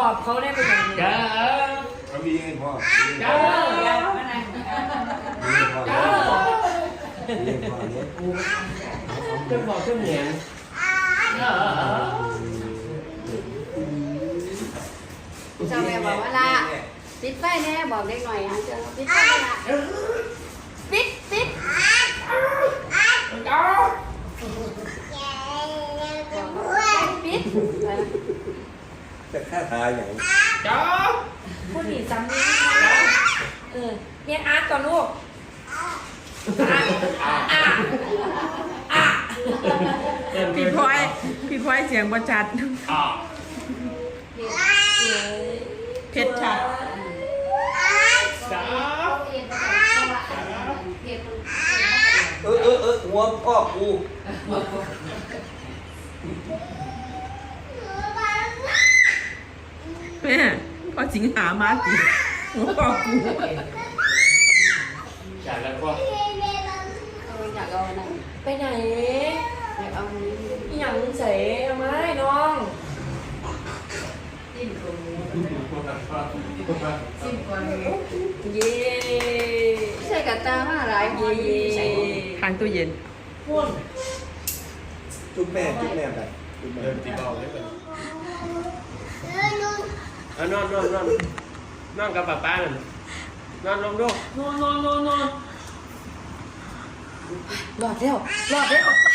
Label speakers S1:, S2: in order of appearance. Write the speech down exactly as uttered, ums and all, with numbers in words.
S1: อบเขาได้เป็นอย่างนี้จ้า
S2: เขามีเองพ่อ
S1: จ้า
S2: มีพ่อมีพ่อเนี่ย
S1: จะบอกจะเหมือน
S3: เจ้าแม่บอกว่าละปิดไฟแน่บอกเด็กหน่อยฮะเจ้าปิดไฟละปิดปิดปิด
S2: จะฆ่าตายอย่าง
S1: จ้าพูดหนีซ้ำนี่เออเรียนอาร์ตก่อนลูกอ่ะอ่ะ
S4: พี่พลอยพี่พลอยเสียงประจัดเพชรชัด
S1: จ้า
S2: เออเออเออหัวพ่อกู
S4: แม่พอสิงหามาสิหัวพ่อกู
S1: อยากแล้วก็
S3: อยากเอาอะไร
S1: ไปไหน
S3: อยากเอานี้
S1: อย่างใส่เอาไม้น้อง
S3: จิ้มตรงนี้จิ้มก่อน
S1: เย้
S3: ใส่กระตามาหลายคน
S4: ทางตู้เย็น
S1: พ่วง
S2: จุ๊บแม่จุ๊บแม่แบบจุ๊บแม่
S5: เริ่มตีเบาเลยก่อนเอานอนนอนนอนนอนกับป้าป้าหน่อยนอนลงดู
S1: นอนนอนนอนนอนหลอดแล้วหลอดแล้ว